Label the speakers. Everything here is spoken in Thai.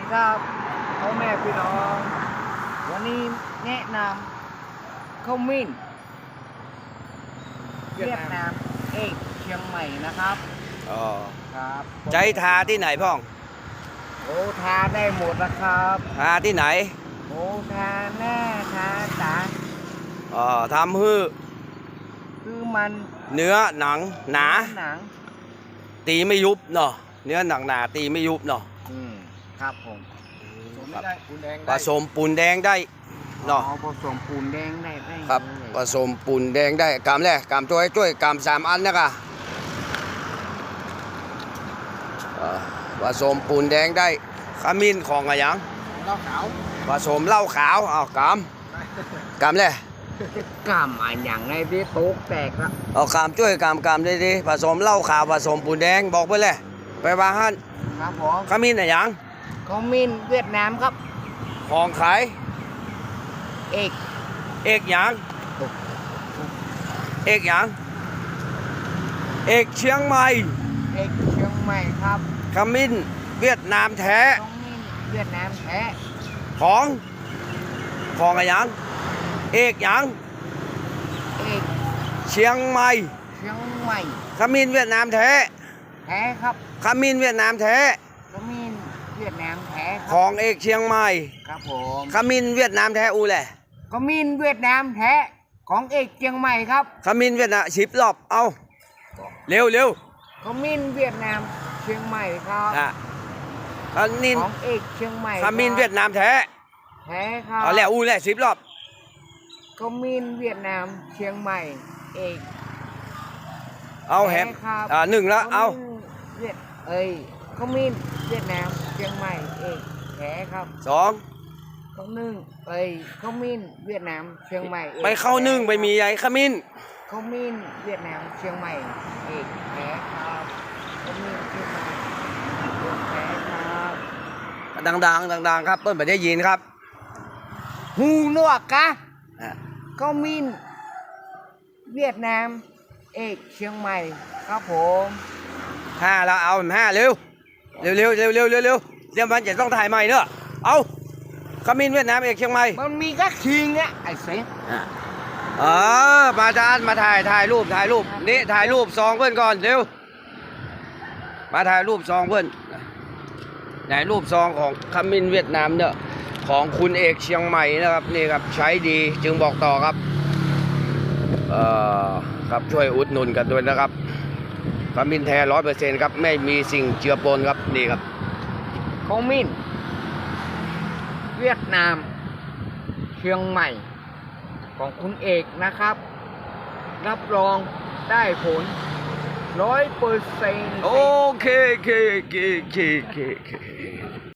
Speaker 1: ครับพ่อแม่พี่น้องวันนี้แนะนำข้าวมิ้นเวียดนามเอกเชียงใหม่นะครับ
Speaker 2: อ๋อ
Speaker 1: ครับ
Speaker 2: ใจทาที่ไหนพ่อง
Speaker 1: โอ้ทาได้หมดนะครับ
Speaker 2: ทาที่ไหน
Speaker 1: โอ้ทาหน้าทาตา
Speaker 2: อ๋อทำฮื้อ
Speaker 1: คือมัน
Speaker 2: เนื้อหนังหนา
Speaker 1: หนัง
Speaker 2: ตีไม่ยุบเนาะเนื้อหนังหนาตีไม่ยุบเนาะ
Speaker 1: ครับผม
Speaker 2: ผสมปูนแดงได้เนาะ
Speaker 1: ผสมปูนแดงได้
Speaker 2: ครับผสมปูนแดงได้กามแรกกามช่วยกาม3 อันนะคะผสมปูนแดงได้ขมิ้นของอะไรยัง
Speaker 1: เหล้าขาว
Speaker 2: ผสมเหล้าขาวเอากามเลย
Speaker 1: กล้ามอันอย่างในที่โต๊ะแตกละ
Speaker 2: เอากามช่วยกามดีๆผสมเหล้าขาวผสมปูนแดงบอกไปเลยไปว่าฮั่น
Speaker 1: ครับผม
Speaker 2: ขมิ้นอะไรยัง
Speaker 1: ข้าวมิ้นเวียดนามครับ
Speaker 2: ของขาย
Speaker 1: เอก
Speaker 2: เอกหยังเอกหยังเอกเชียงใหม่
Speaker 1: เอกเชียงใหม่ครับ
Speaker 2: ขมิ้นเวียดนามแท้
Speaker 1: ข้าวมิ้นเวียดนามแท้
Speaker 2: ของอะไรหยังเอกหยัง
Speaker 1: เอก
Speaker 2: เชียงใหม่
Speaker 1: เชียงใหม่
Speaker 2: ขมิ้นเวียดนามแท้
Speaker 1: แท้ครับ
Speaker 2: ขมิ้นเวียดนามแท้
Speaker 1: ข้าวมิ้นเวียดนามแท้ค
Speaker 2: ข
Speaker 1: รับ
Speaker 2: องเอกเชียงใหม่
Speaker 1: ครับผม
Speaker 2: ขมิ้นเวียดนามแท้อูแหละ
Speaker 1: ข้าวมิ้นเวียดนามแท้ของเอกเชียงใหม่ครับ
Speaker 2: ขมิ้นเวียดนาม10 รอบเอาเร็ว
Speaker 1: ข้าวมิ้นเวียดนามเชียงใหม่ครับ
Speaker 2: อ่ะขมิ้น
Speaker 1: ของเอกเชียงใหม่
Speaker 2: ขมิ้นเวียดนามแท้
Speaker 1: แท้ครับ
Speaker 2: เอาแล้วอูแหละ10 รอบ
Speaker 1: ข้าวมิ้นเวียดนามเชียงใหม่เอก
Speaker 2: เอาแฮม
Speaker 1: ท้ครับ
Speaker 2: 1แล้วเอา
Speaker 1: เวียดข้าวมิ้นเวียดนามเชียงใหม่เอกแท้ครับ
Speaker 2: 2
Speaker 1: ข้าวนึ่งข้าวมิ้นเวียดนามเชียงใหม่อก
Speaker 2: ไปเข้านึ่งไปมีใหญ่ขมิ้น
Speaker 1: ข้าวมิ้นเวียดนามเชียงใหม่เอกแท้ครับข้าวมิ้นเชียงใหม่เอกแท้ครับ
Speaker 2: ดังครับเปิ้ลไม่ได้ยินครับ
Speaker 1: หูหนวกกะ
Speaker 2: อ่ะ
Speaker 1: ข้าวมิ้นเวียดนามเอกเชียงใหม่ครับผม
Speaker 2: 5แล้วเอา5เร็วเดี๋ยวมันจะต้องถ่ายใหม่เนอะเอาขมิ้นเวียดนามเอกเชียงใหม่
Speaker 1: มันมีก็คิงอะไอ้เซ็ง
Speaker 2: มาจานมาถ่ายรูปนี่ถ่ายรูปซองเพื่อนก่อนเร็วมาถ่ายรูปซองเพื่อนไหนรูปซองของขมิ้นเวียดนามเนี่ยของคุณเอกเชียงใหม่นะครับนี่ครับใช้ดีจึงบอกต่อครับครับช่วยอุดหนุนกันด้วยนะครับขมิ้นแท้100%ครับไม่มีสิ่งเจือปนครับนี่ครับ
Speaker 1: ข้าวมิ้นเวียดนามเชียงใหม่ ของคุณเอกนะครับ รับรองได้ผล100%
Speaker 2: โอเค